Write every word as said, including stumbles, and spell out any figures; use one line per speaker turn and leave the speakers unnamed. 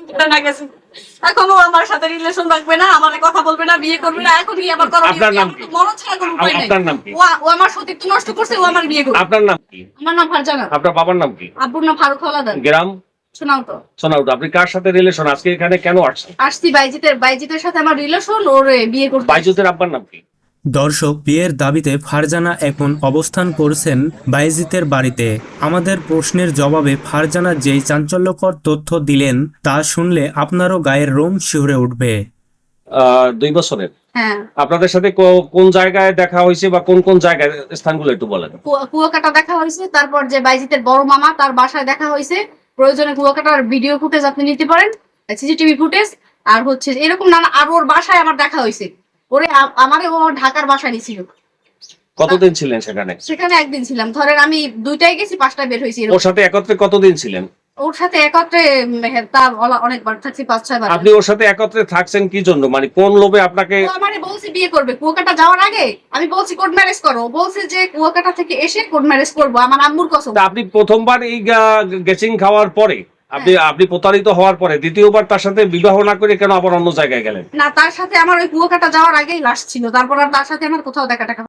না গেছে এখনো আমার সাথে রিলেশন রাখবে না, আমার কথা বলবে না, বিয়ে করবে না। এখন কি আমার করা
আপনার নাম কি?
মরণ ছাড়া কোনো উপায় নাই।
আপনার নাম কি?
ও ও আমার সতীত্ব নষ্ট করছে, ও আমার বিয়ে করবে।
আপনার নাম কি?
আমার নাম ফারজানা।
আপনার বাবার নাম কি?
আব্বুর নাম ফারুক হলাদার।
গ্রাম
শোনাও তো।
সোনাউটা। আপনি কার সাথে রিলেশন? আজকে এখানে কেন আসছেন?
আসছি বাইজিতের বাইজিতের সাথে আমার রিলেশন, ওর বিয়ে করতে।
বাইজুতের আব্বার নাম কি?
দর্শক, বিয়ের দাবিতে ফারজানা এখন অবস্থান করছেন বাইজিতের বাড়িতে। আমাদের প্রশ্নের জবাবে ফারজানা যেই চাঞ্চল্যকর তথ্য দিলেন তা শুনলে আপনারও গায়ের রোম শিহরে উঠবে।
আহ, দুই বছরের।
হ্যাঁ,
আপনাদের সাথে কো- কোন জায়গায় দেখা হয়েছে বা কোন কোন জায়গায়, স্থানগুলো একটু বলেন।
কুয়া- কুয়াকাটা দেখা হয়েছে, তারপর যে বাইজিতের বড় মামা তার বাসায় দেখা হয়েছে। প্রয়োজনে কুয়াকাটার ভিডিও ফুটেজ আপনি নিতে পারেন, সিসিটিভি ফুটেজ। আর হচ্ছে এরকম নানা, আর ওর বাসায় আমার দেখা হয়েছে। ওরে আ- আমারে ও ঢাকার বাসায় নিছিল।
কতদিন ছিলেন সেখানে?
সেখানে একদিন ছিলাম, ধরেন আমি দুইটায় গেছি, পাঁচটায় বের হয়েছি।
ওর সাথে একত্রে কতদিন ছিলেন?
ওর সাথে একত্রে উম, হ্যাঁ, তা অলা- অনেকবার থাকছি, পাঁচ ছয় বার।
আপনি ওর সাথে একত্রে থাকছেন কি জন্য? মানে কোন লোভে আপনাকে?
ও আমারে বলছে বিয়ে করবে কুয়াকাটা যাওয়ার আগে। আমি বলছি কোর্ট ম্যারেজ করো, ও বলছে যে কুয়াকাটা থেকে এসে কোর্ট ম্যারেজ করবো, আমার আম্মুর কসম।
তা আপনি প্রথমবার এই গেচিং খাওয়ার পরে, আপনি আপনি প্রতারিত হওয়ার পরে দ্বিতীয়বার তার সাথে বিবাহ না করে কেন আবার অন্য জায়গায় গেলেন?
না, তার সাথে আমার ওই কুয়াকাটা যাওয়ার আগেই লাশ ছিল, তারপর আর তার সাথে আমার কোথাও দেখা টাকা